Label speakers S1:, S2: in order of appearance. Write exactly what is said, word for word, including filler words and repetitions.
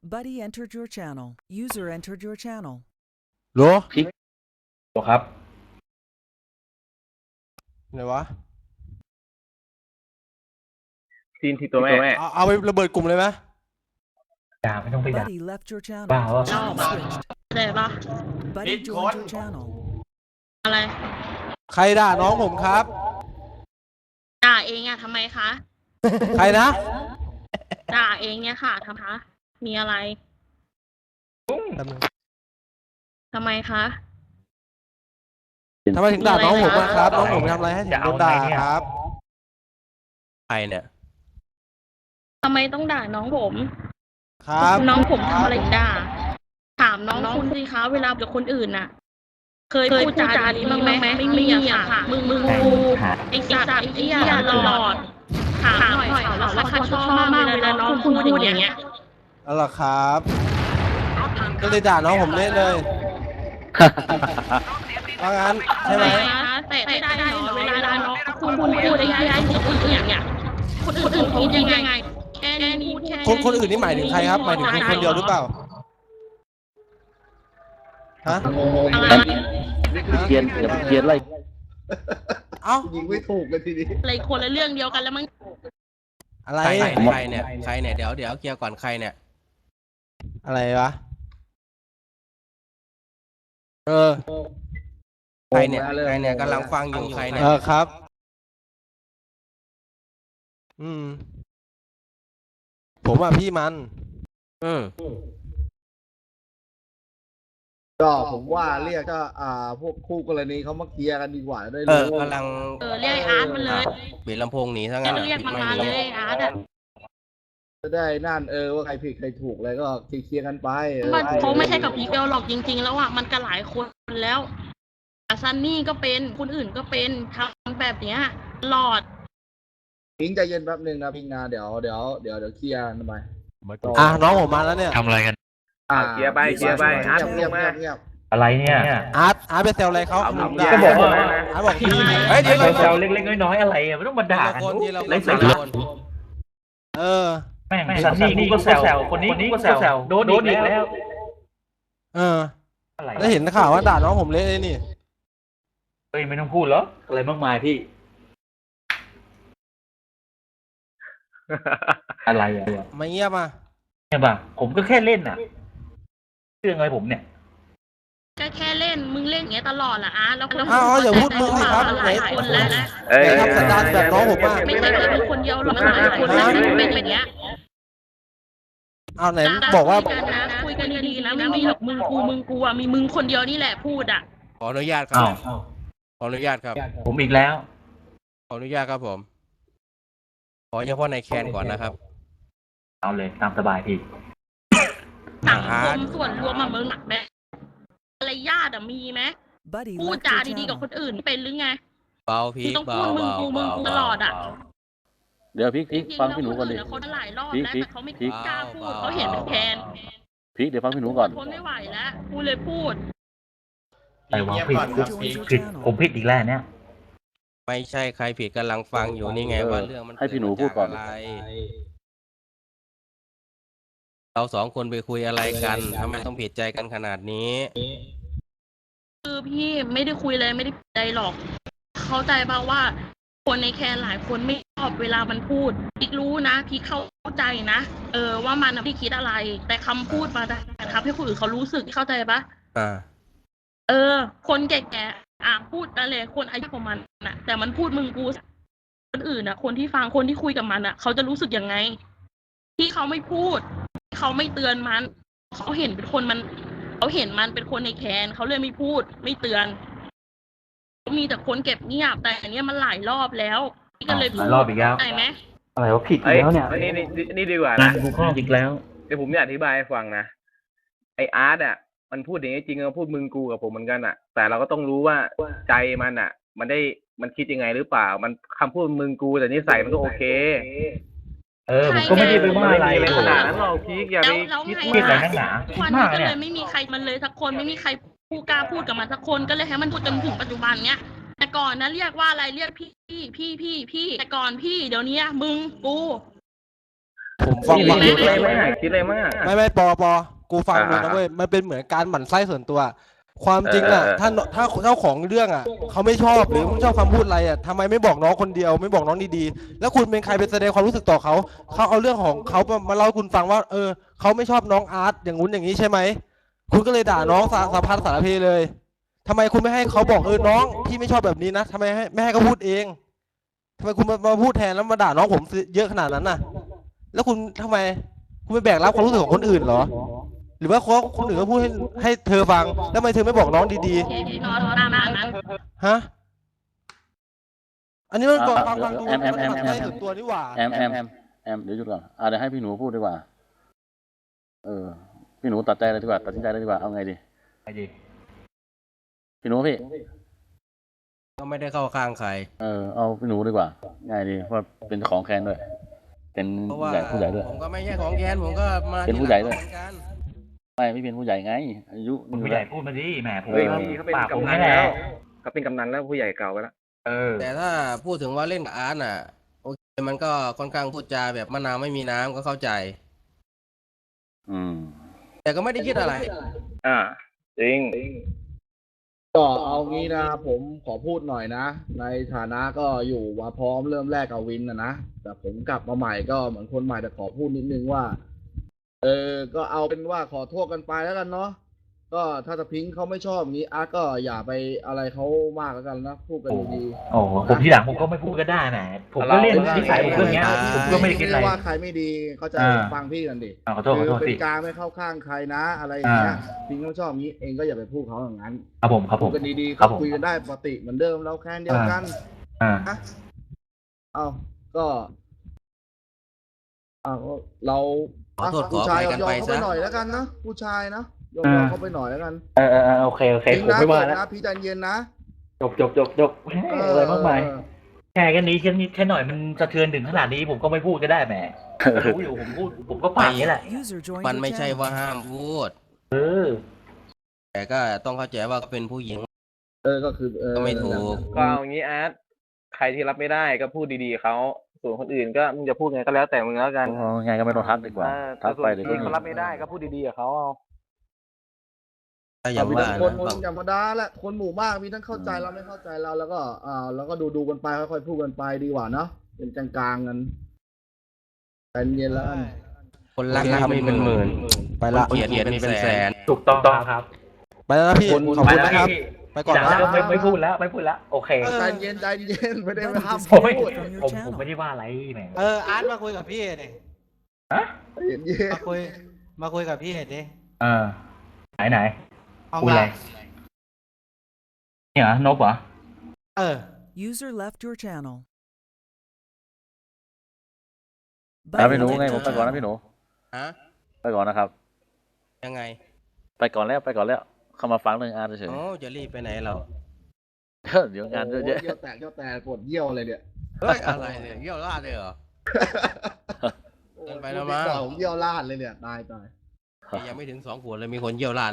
S1: Buddy entered your channel. User entered your channel.
S2: โหล
S3: พี่บอกครับ
S2: ไหนวะ
S3: ทีนที่ตัวแม่
S2: เอาเอาไประเบิดกลุ่มเลยไหม
S3: ด่าไม่ต้องไปด่า
S1: Buddy left your channel.
S3: Wow.
S1: Channel switched.
S4: ได้ปะ
S1: Buddy joined your channel.
S4: อะไร
S2: ใครด่าน้องผมครับ
S4: ด่าเองอะทำไมคะ
S2: ใครนะ
S4: ด่าเองเนี่ยค่ะทำคะมีอะไร
S2: แป๊บนึง
S4: ทำไมคะ
S2: ทำไมถึงด่าน้องผมอะครับ น้องผมทำอะไรให้ถึงโดนด่าครับ
S5: ใครเนี่ย
S4: ทำไมต้องด่าน้องผม
S2: ครับ
S4: น้องผมทำอะไรด่า ถามน้องคุณสิคะเวลากับคนอื่นน่ะ เคยพูดจาดีบ้างไหมไม่มีอะค่ะ มึงมึงกูไอ้สัตว์ไอ้เหี้ยหลอด ถามหน่อยค่ะว่าเขาชอบมากเวลาน้องคุณพูดอย่างเงี้ย
S2: เอาล่ะครับ ก็เลยด่าน้องผมเละเลยว่างั้นใช่ไหม
S4: แต่ไม่ได้หรอเวลาน้องคุณพูดได้ยังไงคนอื่นเนี่ยคนอื่นเขายังไงแค่นี้แค่
S2: คนคนอื่นนี่หมายถึงใครครับ หมายถึงคุณคนเดียวหรือเปล่า ฮะ
S3: เขียนเขียนเขียนอะไร
S2: เอ้า
S6: ยิงไม่ถูกเลยทีนี้
S4: อะไรคนละเรื่องเดียวกันแล้วมั้ง
S2: อะไร
S5: ใครใครเนี่ยใครเนี่ยเดี๋ยวเดี๋ยวเคลียร์ก่อนใครเนี่ย
S2: อะไรวะ เออ
S5: ใครเนี่ยใครเนี่ยกำลังฟังอยู่ใครเนี่ย
S2: เออครับ อืม ผมอ่ะพี่มัน
S5: อืม
S6: ก็ผมว่าเรียกก็อ่าพวกคู่กรณีเขามาเคลียร์กันดีกว่าได้
S5: เอ
S6: เล
S5: อย กำลัง
S4: เออเรียกอาร์ตมันเลย
S5: ปิดลำโพงหนีซะ
S4: จะ
S5: งั้น
S4: เรียกมันมาเลยอาร์ต
S6: จะได้นั่นเออว่าใครผิดใครถูกอะไรก็เคลียร์กันไปเออ
S4: มันเขาไม่ใช่กับพีเกลหรอกจริง ๆ แล้วอ่ะมันก็หลายคนแล้วซันนี่ก็เป็นคนอื่นก็เป็นทำแบบเนี้ยหลอด
S6: พิงใจเย็นแป๊บหนึงนะพิงนาเดี๋ยวเดี๋ยวเดี๋ยวเดี๋ยวเคลียร์กันไป
S2: อ่ะน้องผมมาแล้วเนี่ย
S7: ทำอะไรกัน
S6: อ่า
S3: เคลียร์ไปเคลียร์ไปอาร์ต
S6: เงียบ
S3: ลง
S6: เงี
S3: มา
S6: ยบเงียบ
S3: อะไรเนี่ย
S2: อาร์ตอาร์ตไปแซวอะไรเขา
S3: ก็บอกว่า
S2: อาร์ตบอกพี่
S5: เฮ้ยเดี๋ยว
S3: แซวเล็กๆน้อยๆอะไรอ่ะไม่ต้องมาด่ากัน
S5: คนที่เรา
S3: ไร้สา
S5: ค
S3: ระ
S5: น
S2: เออ
S3: แม่งซันนี่ก็แซวคนนี้ก็แซวโดนอีกแล้ว
S2: เออ แล้วเห็นข่าวว่าด่าน้องผมเละเลยนี่
S3: เฮ้ยไม่ต้องพูดหรออะไรมากมายพี่ อะไรอ่ะ
S2: ไม่เงียบอ่ะ
S3: เนี่ยป่ะผมก็แค่เล่นอ่ะเรื่องอะไรผมเนี่ย
S4: ก็แค่เล่นมึงเล่นอย่างเงี้ยตลอดแหละอาร์ตแล้วคน
S2: อ้าวอย่าพูดมึงสิครับ
S4: หลายคนแล้วนะ
S3: เอ้ย
S2: ทำสันดานแบบน้องผมอ่ะ
S4: ไม่ใช่แค่มึงคนเดียวหรอกหลายคนแล้วที่เป็นอย่างเงี้ย
S2: เอาไหนบอกว่า
S4: คุยกันนะคุยกันดีๆนะไม่มีหรอกมึงกูมึงกูอ่ะมีมึงคนเดียวนี่แหละพูดอ่ะ
S5: ขออนุญาตครับ
S3: อ้าว
S5: ขออนุญาตครับ
S3: ผมอีกแล้ว
S5: ขออนุญาตครับผม ขอเฉพาะในแคนก่อนนะครับ
S3: เอาเลยตามสบายพี่
S4: สังคมส่วนรวมมาเมืองหนักไหมอะไรญาติอะมีไหม
S1: Buddy
S4: พูด
S1: left
S4: จา
S1: your
S4: ดีๆกับ
S1: channel.
S4: คนอื่นเป็นหรือไง
S5: เบาพี
S4: มึง
S5: ก
S4: ต้อง
S5: เบา
S4: พูดมึง
S5: เบา
S4: กูมึง
S5: เบา
S4: กูตลอดอะ
S8: เดี๋ยวพี่พี่ฟังพี่หนูก่อนดิ
S4: จริงๆแล้วคนอื่นเขาหลายรอบ
S8: พี่
S4: แล้ว
S8: พี่
S4: แต่เขาไม่
S8: พี่
S4: กล้าพูดเขาเห็นเป็นแคน
S8: พี่เดี๋ยวฟังพี่หนูก่อน
S4: ทนไม่ไหวแล้วกูเลยพูด
S3: แต่ว่าผิดผิดผมผิดอีกแล้วเนี่ย
S5: ไม่ใช่ใครผิดกำลังฟังอยู่นี่ไง
S8: เออ
S5: ว่าเรื่องมัน
S8: ให้พี่หนูพูดก่อน
S5: เมาจากอะไรเราสองคนไปคุยอะไรกันทำไมต้องผิดใจกันขนาดนี้
S4: คือพี่ไม่ได้คุยเลยไม่ได้ใจหรอก เข้าใจป่าว่า คนในแคนหลายคนไม่ชอบเวลามันพูดพี่รู้นะพี่เข้าใจนะเออว่ามันไม่ได้คิดอะไร แต่คำพูดมาแต่ทำให้คนอื่นเขารู้สึกเข้าใจปะ
S5: อ่า
S4: เออ คนแก่ๆอ่ะพูดอะไรคนอายุประมาณน่ะ แต่มันพูดมึงกูคนอื่นอ่ะ คนที่ฟังคนที่คุยกับมันอ่ะ เขาจะรู้สึกยังไง ที่เขาไม่พูดเขาไม่เตือนมันเขาเห็นเป็นคนมันเขาเห็นมันเป็นคนในแคนเขาเลยไม่พูด ไม่เตือนมีแต่คนเก็บเงียบแต่อันเนี้ยมันหลายรอบแล้วพี่ก็เลยพูด
S3: หลายรอบอีกแล้ว
S4: ได้ไหม
S3: อะไรวะผิดอีกแล้วเนี่ย
S9: นี่นี่นี่ดีกว่า
S3: นา
S9: นะ
S3: นกูข้ออีกแล้ว
S9: เดี๋ยวผมจะอธิบายให้ฟังนะไออาร์ตอ่ะมันพูดอย่างนี้จริงๆมันพูดมึงกูกับผมเหมือนกันอ่ะ แต่เราก็ต้องรู้ว่าใจมันอ่ะ มันได้มันคิดยังไงหรือเปล่า มันคำพูดมึงกูแต่นิสัยมันก็โอเค
S3: เออผมก็ไม่ได้ไปว่าอะไร
S9: ไม่
S3: เลย
S9: ขนาดนั้นหรอกพีกอย่า
S4: แล้
S9: ไป
S4: วแล้ว
S9: คิด
S4: ไง
S3: คิดอะไรนักหนา
S4: ทุก
S3: คิด
S4: วัน
S3: มา
S4: นี้
S3: ก
S4: ก็
S3: เนี่
S4: เลย ยไม่มีใครมันเลยสักคนไม่มีใครพูดกล้าพูดกับมันสักคนก็เลยให้มันพูดจนถึงปัจจุบันเนี้ยแต่ก่อนนะเรียกว่าอะไรเรียกพี่พี่พี่พี่พี่แต่ก่อนพี่เดี๋ยวนี้มึงกู
S2: ผมฟัง
S9: นี่
S2: ฟัง
S9: คิดอะไรมั้งอะคิดอะไรมั้งอะ
S2: ไม่ไม่ปอปอกูฟังดู
S9: อ่า
S2: นะเว้ยมันเป็นเหมือนการหมั่นไส้ส่วนตัว ความจริงอ่ะ
S9: เออเออ
S2: ถ้าถ้าเจ้าของเรื่องอ่ะเขาไม่ชอบหรือไม่ชอบคำพูดอะไรอ่ะทำไมไม่บอกน้องคนเดียวไม่บอกน้องดีๆแล้วคุณเป็นใครไปแสดงความรู้สึกต่อเขาเขาเอาเรื่องของเขามามาเล่าให้คุณฟังว่า เออเขาไม่ชอบน้องอาร์ตอย่างงู้นอย่างนี้ใช่ไหมคุณก็เลยด่าน้องสาสารพัดสารเพเลยทำไมคุณไม่ให้เขาบอกเออน้องพี่ไม่ชอบแบบนี้นะทำไมให้ไม่ให้เขาพูดเองทำไมคุณมามาพูดแทนแล้วมาด่าน้องผมเยอะขนาดนั้นน่ะ แล้วคุณทำไมคุณไปแบกรับความรู้สึกของคนอื่นเหรอ หรือว่าเขาคนอื่นก็พูดให้ให้เธอฟังแล้วทำไมเธอไม่บอกน้องดี
S4: โอเคนอนตามนั้น
S2: ๆฮะอันนี้มันบอก
S8: อ่า
S2: ฟังฟังดู
S8: แอมแอมแอม
S2: มัน
S8: แอม
S2: หมั่นไส้ส่วนตัวนี่หว่า
S8: แอมแอมแอมแอมเดี๋ยวหยุดก่อนอ่าเดี๋ยวให้พี่หนูพูดดีกว่า เออ พี่หนูตัดใจเลยดีกว่าตัดสินใจเลยดีกว่าเอาไงดี
S3: ไปดิ
S8: พี่หนูพี่
S5: ก็ไม่ได้เข้าข้างใคร
S8: เออเอาพี่หนูดีกว่าง่ายดีเพราะเป็นเจ้าของแคนด้วย เป็น
S5: เพราะ
S8: ผู้
S5: ว่า
S8: ใหญ่ผู้ใหญ่ด้วย
S5: ผมก็ไม่ใช่ของแกนผมก็มา
S8: เป็นผู้ใหญ่ด้วย
S5: เหมือนกัน
S8: ไม่ไม่เป็นผู้ใหญ่ไง อายุ
S3: คุณผู้ใหญ่พูดมาดิแหมผม
S9: เฮ้ยพี่เขาเป็น
S3: ปากผม
S9: กำนัน
S3: นี่แหละ
S9: แล้วเขาเป็นกำนันแล้วผู้ใหญ่เก่าไปแล้ว
S3: เออ
S5: แต่ถ้าพูดถึงว่าเล่นกับอาร์ตน่ะโอเคมันก็ค่อนข้างพูดจาแบบมะนาวไม่มีน้ำก็เข้าใจ
S8: อืม
S5: แต่ก็ไม่ได้คิดอะไร
S9: อ่าจริง
S6: ก็เอางี้นะผมขอพูดหน่อยนะ ในฐานะก็อยู่มาพร้อมเริ่มแรกกับวินนะนะแต่ผมกลับมาใหม่ก็เหมือนคนใหม่แต่ขอพูดนิดนึงว่า เออก็เอาเป็นว่าขอโทษกันไปแล้วกันเนาะก็ถ้าสพิงค์เขาไม่ชอบอย่างนี้อาร์ตก็อย่าไปอะไรเขามากแล้วกันนะพูดกันดี
S3: โอ้โหผมทีหลังผมก็ไม่พูดก็ได้แหมผมก็เล่น
S6: ๆ
S3: นิสัยผมก็อย่างเงี้ย
S5: ไม่
S3: ผมก็ไม่ได้คิดอะไร
S6: ว่าใครไม่ดีเขาใจะ
S3: อ่า
S6: ฟังพี่กันดิ
S3: อ่าขอโทษขอโทษ
S6: เป็
S3: สิ
S6: นการไม่เข้าข้างใครนะ อะไรอย่างเงี้ย
S3: อ่า
S6: พิงค์เขาชอบอย่างนี้เองก็อย่าไปพูดเขาอย่างนั้น
S3: ครับผมครับผ
S6: พูด
S3: ม
S6: กันดีๆ
S3: ครั
S6: ก็
S3: บผม
S6: คุยกันได้ปกติเหมือนเดิมเราแค่เดียวกัน
S3: อ่า
S6: นะเอาก็เอาเรา
S5: ขอโทษ
S6: ผู้ชาย
S5: ขออภัยกัน
S6: ยอม
S5: ไป
S6: เขาไป
S5: ซะ
S6: หน่อยแล้วกันนะผู้ชายนะยอม
S3: อ่า
S6: เขาไปหน่อยแล้วกัน
S3: เออเออเออโอเคโอเค
S6: พิง
S3: ผม
S6: นะ
S3: ไม่ว่า
S6: จบ
S3: แล้ว
S6: นะพี่ใจเย็นนะ
S3: จบจบจบจบอะไรมากมาย
S6: เออ
S3: แค่กันนี้แค่นี้แค่หน่อยมันสะเทือนถึงขนาดนี้ผมก็ไม่พูดก็ได้แหมรู้อยู่ผมพูดผมก็ปากอย่างนี้แหละ
S1: User joined
S5: มัน
S1: your
S5: ไม่ใช่
S1: channel.
S5: ว่าห้ามพูด
S3: เออ
S5: แต่ก็ต้องเข้าใจว่าก็เป็นผู้หญิง
S6: เออก็คือเออ
S5: ก็ไม่ถูก
S9: ก็เอาอย่างนี้อาร์ตใครที่รับไม่ได้ก็พูดดีๆเขาส่วนคนอื่นก็มึงจะพูดไงก็แล้วแต่มึงแล้วกัน
S8: เอาไงก็ไม่ต้องทักดีกว่า
S9: เออ
S8: ทัก
S9: ส่ว
S8: ไป
S9: น
S8: เดี๋ยว
S9: ที่
S8: ก็
S9: เขารับไม่ได้ก็พูดดีๆกับเขาเอา
S5: ถ้าอย่าง
S6: มี
S5: ว่า
S6: ทั้งคน
S5: นะ
S6: คน
S5: บาง
S6: ธรรมดาแหละคนหมู่มากมีทั้งเข้าใจเราไม่เข้าใจเราแล้วก็อ่าแล้วก็ดูดูกันไปค่อยๆพูดกันไปดีกว่าเนาะเป็นกลางๆกันใจเย็นแล้วกัน
S5: คนรักรักมีเป็นหมื่น
S2: ไปละ
S5: คนเกลียดเกลียดมีเป็นแสน
S3: ถูกต้องครับ
S2: ไปแล้วนะพี่
S6: คน
S2: ขอบคุณนะครับ ไปก่อน
S3: จาก
S2: นะ
S3: นั้นก็ไม่ไม่พูดแล้วไม่พูดแล้วโอเค
S6: ใจเย็นใจเย็นไม่ได้ไปห้าม
S3: ผมไม่
S6: พูด
S3: ผมผมไม่ได้ว่าอะไรแหม
S7: เอออาร์ตมาคุยกับพี่ดิ
S3: ฮะ
S6: ใจเย็นเย็น
S7: มาคุยมาคุยกับพี่ดิ
S3: เออไหนไหน
S7: เอา
S3: คุย
S7: มา
S3: อะไรเนี่ยเหรอนบเหรอ
S7: เออ
S1: User left your channel.
S8: แล้วพี่หนู
S1: Buddy
S8: ไง
S1: left
S8: ผ
S1: your
S8: มไปก่อนนะ
S1: channel.
S8: พี่หนู
S5: ฮะ
S8: ไปก่อนนะครับ
S5: ยังไง
S8: ไปก่อนแล้วไปก่อนแล้ว เข้ามาฟังเรื่องอาร์ตเฉย
S5: โอ้จะรีบไปไหนเรา
S8: ๆเดี๋ยวงานเยอะแยะ
S6: เยี่ยวแตกเยี่ยวแตกปวดเยี่ยวเลยเนี่ย
S5: เฮ้ยอะไรเนี่ยเยี่ยวราดเลยเหรอ เกินไปแล้วมั้ง
S6: ผมเยี่ยวลาดเลยเนี่ยตายตาย
S5: ยังไม่ถึงสองขวดเลยมีคนเยี่ยวราด